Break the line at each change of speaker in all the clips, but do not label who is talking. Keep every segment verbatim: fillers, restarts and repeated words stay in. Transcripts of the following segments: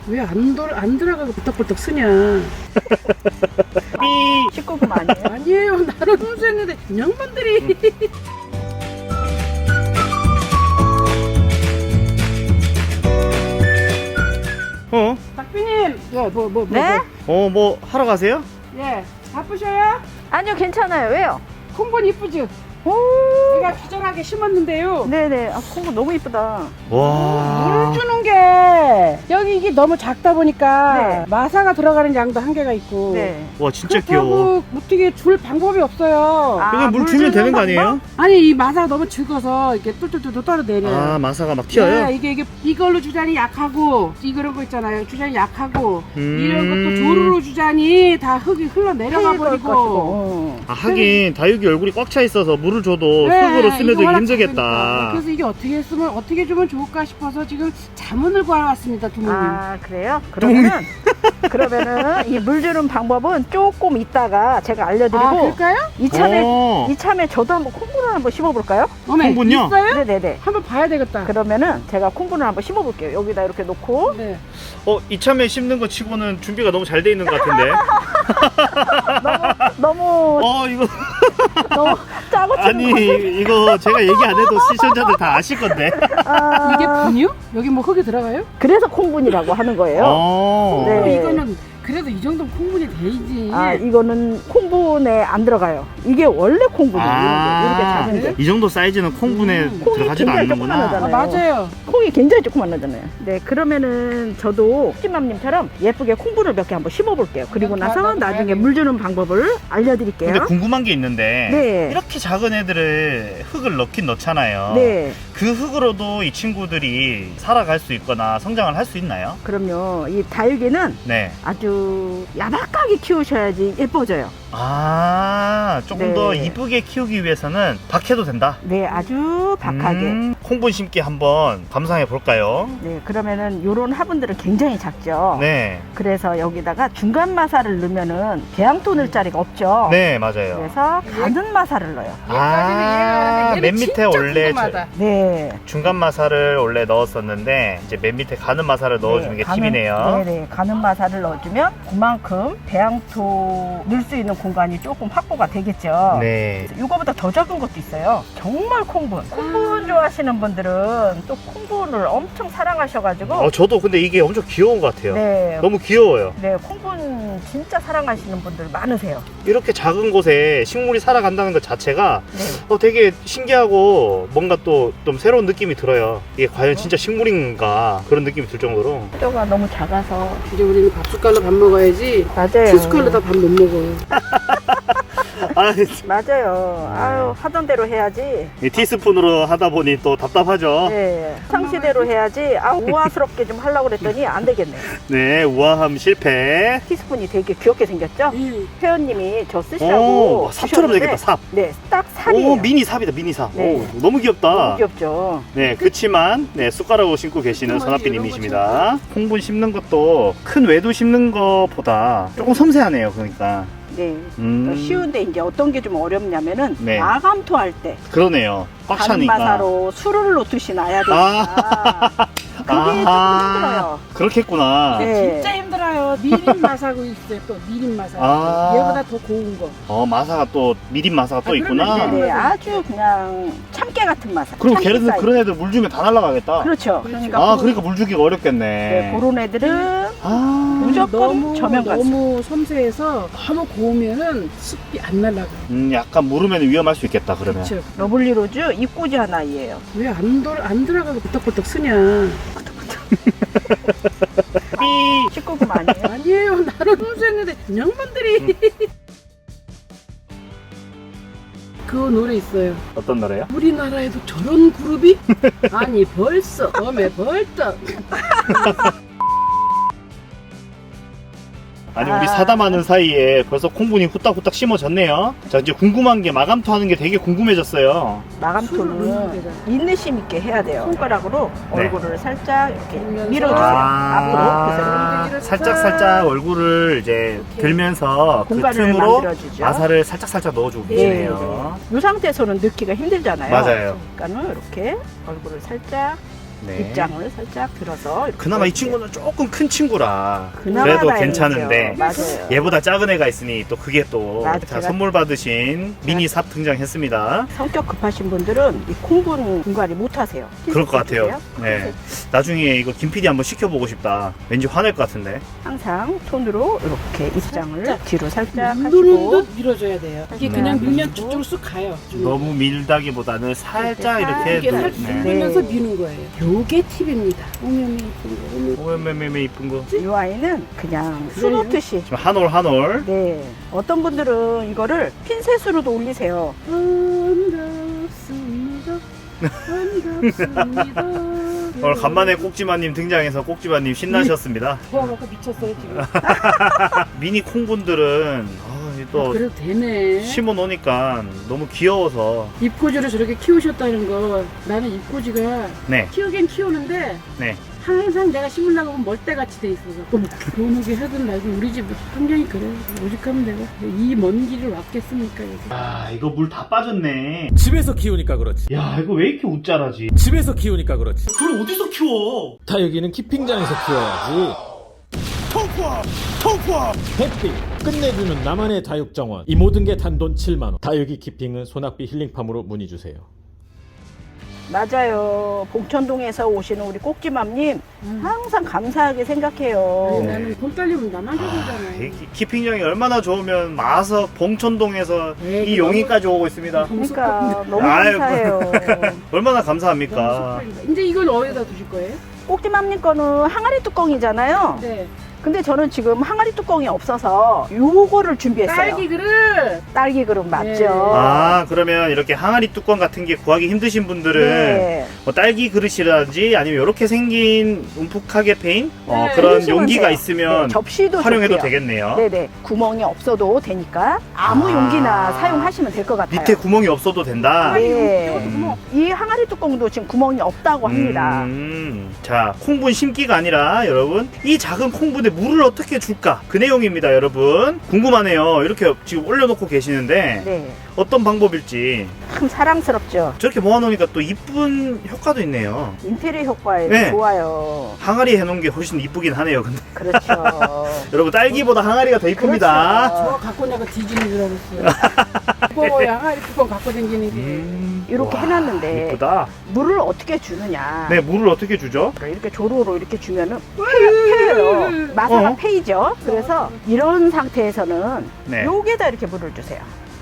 왜 안 안 들어가고 부탁부탁 쓰냐?
삐.
십구 금 아니에요?
아니에요. 나는 순수했는데 양반들이.
어?
박비님, 예, 뭐, 뭐, 뭐,
네?
어, 뭐 하러 가세요?
뭐. 예, 바쁘셔요?
아니요, 괜찮아요. 왜요?
콩분 이쁘죠?
오,
제가 기절하게 심었는데요.
네네. 아, 콩고 너무 이쁘다.
와.
물 주는 게 여기 이게 너무 작다 보니까
네.
마사가 들어가는 양도 한계가 있고.
네.
와, 진짜
그렇다고
귀여워.
어떻게 줄 방법이 없어요.
아,
그냥 물
물
주면
주는
되는 거
방법?
아니에요?
아니 이 마사가 너무 적어서 이렇게 뚫뚫뚫 떨어내려요.
아, 마사가 막 튀어요?
네, 이게 이게 이걸로 주자니 약하고 이런 거 있잖아요. 주자니 약하고
음.
이런 것도 조르로 주자니 다 흙이 흘러 내려가 버리고.
어.
아, 하긴 다육이 얼굴이 꽉 차 있어서 물을 줘도
네,
흙으로 스며들기
이거 워낙
힘들겠다.
작으니까. 그래서 이게 어떻게 했으면 어떻게 주면 좋을까 싶어서 지금 자문을 구하왔습니다, 두모님.
아, 그래요? 그러면은 그러면은 이 물 주는 방법은 조금 있다가 제가 알려드리고
아, 그럴까요?
이참에
어.
이참에 저도 한번 콩분을 한번 심어볼까요?
어메,
콩분요?
있어요?
네네네.
한번 봐야 되겠다.
그러면은 제가 콩분을 한번 심어볼게요. 여기다 이렇게 놓고
네.
어, 이참에 심는 거 치고는 준비가 너무 잘 돼 있는 것 같은데.
너무
어, 이거
너무 짜고 치는
아니,
거.
이거 제가 얘기 안 해도 시청자들 다 아실 건데.
아,
이게 분유? 여기 뭐 흙이 들어가요?
그래서 콩분이라고 하는 거예요.
어.
네.
어, 이거는 그래도 이 정도는 콩분이 돼야지.
아, 이거는 콩분에 안 들어가요. 이게 원래 콩분이에요.
아,
이렇게 작은 게.
이 정도 사이즈는 콩분에
음.
콩이
들어가지도
굉장히
않는구나.
조그만하잖아요.
아, 맞아요.
콩이 굉장히 조그만하잖아요. 네, 그러면은 저도 찜맘님처럼 예쁘게 콩분을 몇 개 한번 심어볼게요. 그리고
나-
나서
나도
나중에
봐야겠네.
물 주는 방법을 알려드릴게요.
근데 궁금한 게 있는데
네.
이렇게 작은 애들을 흙을 넣긴 넣잖아요.
네,
그 흙으로도 이 친구들이 살아갈 수 있거나 성장을 할 수 있나요?
그럼요. 이 다육이는
네.
아주 야박하게 키우셔야지 예뻐져요.
아, 조금
네.
더 이쁘게 키우기 위해서는 박해도 된다.
네, 아주 박하게.
음, 콩분 심기 한번 감상해 볼까요?
네, 그러면은 요런 화분들은 굉장히 작죠.
네.
그래서 여기다가 중간 마사를 넣으면은 배양토 넣을 자리가 없죠.
네, 맞아요.
그래서 가는 마사를 넣어요.
아, 맨 밑에 원래 저-
네.
중간 마사를 원래 넣었었는데 이제 맨 밑에 가는 마사를 넣어주는 게
가는-
팁이네요.
네네. 가는 마사를 넣어주면 그만큼 배양토 넣을 수 있는 공간이 조금 확보가 되겠죠.
네.
이거보다 더 작은 것도 있어요. 정말 콩분. 콩분 좋아하시는 분들은 또 콩분을 엄청 사랑하셔가지고.
어, 저도 근데 이게 엄청 귀여운 것 같아요.
네.
너무 귀여워요.
네, 콩분 진짜 사랑하시는 분들 많으세요.
이렇게 작은 곳에 식물이 살아간다는 것 자체가
네.
어, 되게 신기하고 뭔가 또 좀 새로운 느낌이 들어요. 이게 과연 진짜 식물인가 그런 느낌이 들 정도로.
뼈가 너무 작아서.
이제 우리는 밥 숟갈로 밥 먹어야지.
맞아요.
티숟갈로 다 밥 못 먹어요.
아,
맞아요. 아유, 하던 대로 해야지.
이 티스푼으로 하다 보니 또 답답하죠.
네. 상시대로 해야지. 아, 우아스럽게 좀 하려고 그랬더니 안 되겠네.
네, 우아함 실패.
티스푼이 되게 귀엽게 생겼죠?
음.
회원님이 저 쓰시라고.
오, 삽처럼
주셨는데
되겠다, 삽.
네, 딱 삽이에요.
오, 미니 삽이다, 미니 삽.
네.
오, 너무 귀엽다.
너무 귀엽죠?
네, 그치만 네, 숟가락으로 심고 계시는
어머니,
선아삐님이십니다. 콩분 심는 것도 큰 외두 심는 것보다 조금 섬세하네요. 그러니까
네.
음,
더 쉬운데 이제 어떤 게 좀 어렵냐면은
네.
마감토 할 때
그러네요. 꽉
가는
차니까.
마사로 술을 놓듯이 놔야 되니까 그게
아하.
조금 힘들어요.
그렇겠구나.
네.
진짜 힘들어요. 미림 마사고 있어요. 또 미림 마사.
아.
얘보다 더 고운 거.
어, 마사가 또 미림 마사가 또
아,
있구나.
그러면
네, 아주 그냥 참깨 같은 마사.
그리고
참깨
걔네들
사이즈.
그런 애들 물 주면 다 날아가겠다.
그렇죠. 그러니까
아,
그-
그러니까 물 주기가 어렵겠네.
네, 그런 애들은
아,
무조건
너무
저면 가서.
너무 섬세해서 너무 고우면은 습기 안 날라가.
음, 약간 물으면 위험할 수 있겠다. 그러면.
그렇죠.
러블리 로즈 입고지한 아이예요.
왜 안 안 들어가고 부탁부탁 쓰냐?
삐.
십구 금 아니에요?
아니에요. 나는 순수했는데 양반들이. 그 노래 있어요.
어떤 노래요?
우리나라에도 저런 그룹이? 아니 벌써 어메 벌떡.
아니 우리
아.
사담하는 사이에 벌써 콩분이 후딱후딱 심어졌네요. 자, 이제 궁금한 게 마감토 하는 게 되게 궁금해졌어요.
술을 넣는
마감토는
데잖아.
인내심 있게 해야 돼요. 손가락으로
네.
얼굴을 살짝 이렇게
밀면서.
밀어주세요. 앞으로.
아,
그래서
살짝 살짝 얼굴을 이제
이렇게
들면서 그
공간을
틈으로
만들어주죠.
마사를 살짝 살짝 넣어주고
네,
계시네요.
이 상태에서는 넣기가 힘들잖아요.
맞아요.
그러니까는 이렇게 얼굴을 살짝
네.
입장을 살짝 들어서 이렇게
그나마 이
넣을게요.
친구는 조금 큰 친구라
그나마
그래도
다행이죠.
괜찮은데
맞아요.
얘보다 작은 애가 있으니 또 그게 또
맞아,
자,
제가-
선물 받으신 미니 삽 등장했습니다.
성격 급하신 분들은 이 콩분 분갈이 못 하세요.
그럴 것 같아요.
해주세요.
네. 나중에 이거 김 피디 한번 시켜보고 싶다. 왠지 화낼 것 같은데.
항상 손으로 이렇게 입장을
살짝.
뒤로 살짝
누르는
하시고
듯 밀어줘야 돼요. 이게
네.
그냥 밀면
그리고
저쪽으로 쑥 가요.
너무 밀다기보다는 살짝 이렇게
이렇게
누-
살짝
네.
누르면서
네.
미는 거예요. 요게 팁입니다. 오메메 이쁜 거.
오메메메 이쁜 거.
이 아이는 그냥 수 놓듯이
지금 한 올 한 올.
네 어떤 분들은 이거를 핀셋으로도 올리세요.
반갑습니다. 반갑습니다.
오늘 간만에 꼭지마님 등장해서 꼭지마님 신나셨습니다.
좋아갖고 미쳤어요 지금.
미니 콩분들은 아, 이게 또
그래도 되네.
심어 놓으니까 너무 귀여워서.
입꼬지를 저렇게 키우셨다는 거. 나는 입꼬지가
네,
키우긴 키우는데
네.
항상 내가 심으려고 하면 멀대같이 돼 있어서 교무게 하든 말든 우리 집 환경이 그래. 오직하면 내가 이 먼 길을 왔겠습니까 여기.
아, 이거 물 다 빠졌네.
집에서 키우니까 그렇지.
야, 이거 왜 이렇게 웃자라지?
집에서 키우니까 그렇지.
그걸 어디서 키워?
다육이는 키핑장에서 키워야지. 통포! 통포! 햇빛! 끝내주는 나만의 다육 정원. 이 모든 게 단돈 칠만 원. 다육이 키핑은 소낙비 힐링팜으로 문의주세요.
맞아요. 봉천동에서 오시는 우리 꼭지맘님
음.
항상 감사하게 생각해요.
아니, 나는 돈 딸리면 나만 줘보잖아.
이 키- 키핑장이 얼마나 좋으면 마석 봉천동에서
에이,
이 용인까지 오고 있습니다.
그러니까 너무
아유,
감사해요.
얼마나 감사합니까?
이제 이걸 어디다 두실 거예요?
꼭지맘님 거는 항아리 뚜껑이잖아요.
네.
근데 저는 지금 항아리 뚜껑이 없어서 요거를 준비했어요.
딸기 그릇.
딸기 그릇 맞죠?
네.
아, 그러면 이렇게 항아리 뚜껑 같은 게 구하기 힘드신 분들은
네.
뭐 딸기 그릇이라든지 아니면 이렇게 생긴 움푹하게 페인 어,
네,
그런
해주시면
용기가
돼요.
있으면
네, 접시도
활용해도
좋고요.
되겠네요.
네네. 구멍이 없어도 되니까 아무
아.
용기나 사용하시면 될 것 같아요.
밑에 구멍이 없어도 된다.
네.
음.
이 항아리 뚜껑도 지금 구멍이 없다고 합니다.
음, 자, 콩분 심기가 아니라 여러분 이 작은 콩분에 물을 어떻게 줄까? 그 내용입니다, 여러분. 궁금하네요. 이렇게 지금 올려놓고 계시는데
네.
어떤 방법일지.
참 사랑스럽죠.
저렇게 모아놓으니까 또 이쁜 효과도 있네요.
인테리어 효과에
네.
좋아요.
항아리 해놓은 게 훨씬 이쁘긴 하네요. 근데
그렇죠.
여러분 딸기보다 항아리가 더 이쁩니다.
그렇죠.
저거 갖고 내가 뒤지는 줄 알았어요. 뚜껑 항아리 뚜껑 갖고 다니는 게.
음,
이렇게
와,
해놨는데
이쁘다.
물을 어떻게 주느냐.
네, 물을 어떻게 주죠?
이렇게 조로로 이렇게 주면은 패요. 마사가
어?
패이죠. 그래서 이런 상태에서는
네.
여기에다 이렇게 물을 주세요.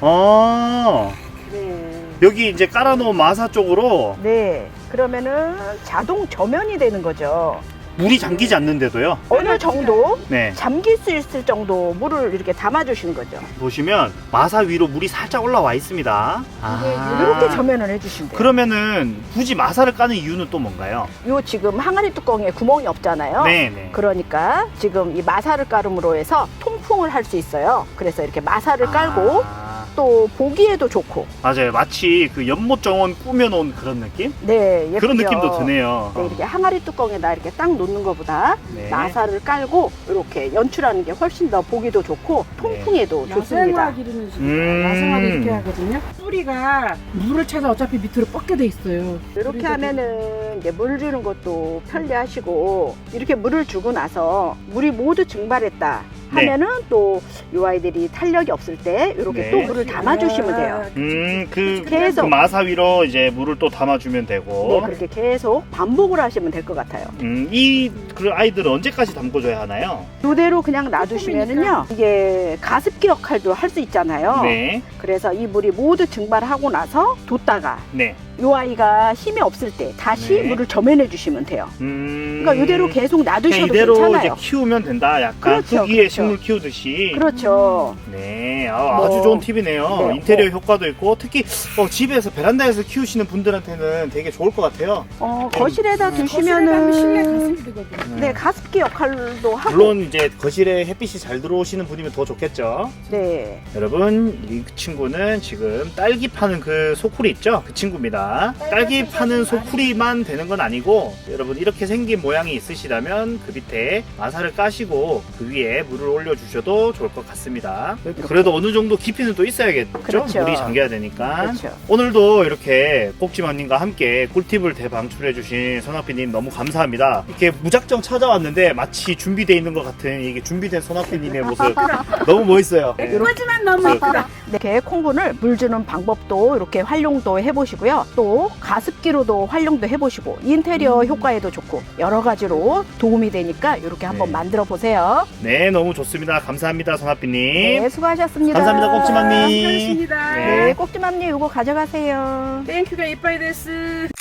어,
그래.
여기 이제 깔아놓은 마사 쪽으로
네. 그러면은 자동 저면이 되는 거죠.
물이 잠기지 않는데도요.
어느 정도
네,
잠길 수 있을 정도 물을 이렇게 담아주시는 거죠.
보시면 마사 위로 물이 살짝 올라와 있습니다. 아,
이렇게 저면을 해주시면 돼요.
그러면은 굳이 마사를 까는 이유는 또 뭔가요?
요 지금 항아리 뚜껑에 구멍이 없잖아요.
네, 네.
그러니까 지금 이 마사를 깔음으로 해서 통풍을 할 수 있어요. 그래서 이렇게 마사를 깔고
아,
또 보기에도 좋고.
맞아요. 마치 그 연못 정원 꾸며놓은 그런 느낌?
네, 예쁘죠.
그런 느낌도 드네요.
네, 이렇게 항아리 뚜껑에다 이렇게 딱 놓는 것보다
네.
마사를 깔고 이렇게 연출하는 게 훨씬 더 보기도 좋고 통풍에도 좋습니다.
야생화 기르는 식이에요.
음.
야생화도 이렇게 하거든요. 뿌리가 물을 차서 어차피 밑으로 뻗게 돼 있어요.
이렇게
그래서
하면은 이제 물 주는 것도 편리하시고 이렇게 물을 주고 나서 물이 모두 증발했다
네.
하면은 또 이 아이들이 탄력이 없을 때 이렇게
네.
또 물을 담아주시면 돼요.
음, 그,
계속.
그 마사 위로 이제 물을 또 담아주면
네,
되고.
그렇게 계속 반복을 하시면 될 것 같아요.
음, 이 그 아이들은 언제까지 담궈줘야 하나요?
이대로 그냥 놔두시면은요, 이게 가습기 역할도 할 수 있잖아요.
네,
그래서 이 물이 모두 증발하고 나서 뒀다가
네.
이 아이가 힘이 없을 때 다시
네.
물을 점해내 주시면 돼요.
음,
그러니까 이대로 계속
그냥
놔두셔도
이대로
괜찮아요.
이제 키우면 된다. 약간
그렇죠,
흙위에
그렇죠.
식물 키우듯이.
그렇죠.
네, 아,
뭐,
아주 좋은 팁이네요.
네,
인테리어 효과도 있고 특히 어, 집에서 베란다에서 키우시는 분들한테는 되게 좋을 것 같아요.
어, 거실에다
거실에 가면 실내
두시면은
가습이 되거든요.
네, 가습기 역할도 하고.
물론 이제 거실에 햇빛이 잘 들어오시는 분이면 더 좋겠죠.
네.
여러분, 이 친구는 지금 딸기 파는 그 소쿠리 있죠? 그 친구입니다. 좋습니다. 딸기 파는 소쿠리만 되는 건 아니고 여러분 이렇게 생긴 모양이 있으시다면 그 밑에 마사를 까시고 그 위에 물을 올려주셔도 좋을 것 같습니다. 그래도 어느 정도 깊이는 또 있어야겠죠?
그렇죠.
물이 잠겨야 되니까.
그렇죠.
오늘도 이렇게 꼭지맘님과 함께 꿀팁을 대방출해주신 선학비님 너무 감사합니다. 이렇게 무작정 찾아왔는데 마치 준비되어 있는 것 같은 이게 준비된 선학비님의 모습 너무 멋있어요. 네.
하지만 너무 예쁘다.
이렇게 콩분을 물 주는 방법도 이렇게 활용도 해보시고요. 또 가습기로도 활용도 해보시고 인테리어 효과에도 좋고 여러 가지로 도움이 되니까 이렇게 한번
네.
만들어 보세요.
네, 너무 좋습니다. 감사합니다, 선학비님.
네, 수고하셨습니다.
감사합니다, 꼭지맘님.
감사합니다.
네.
네, 꼭지맘님 이거 가져가세요.
땡큐가 이빠이 데스.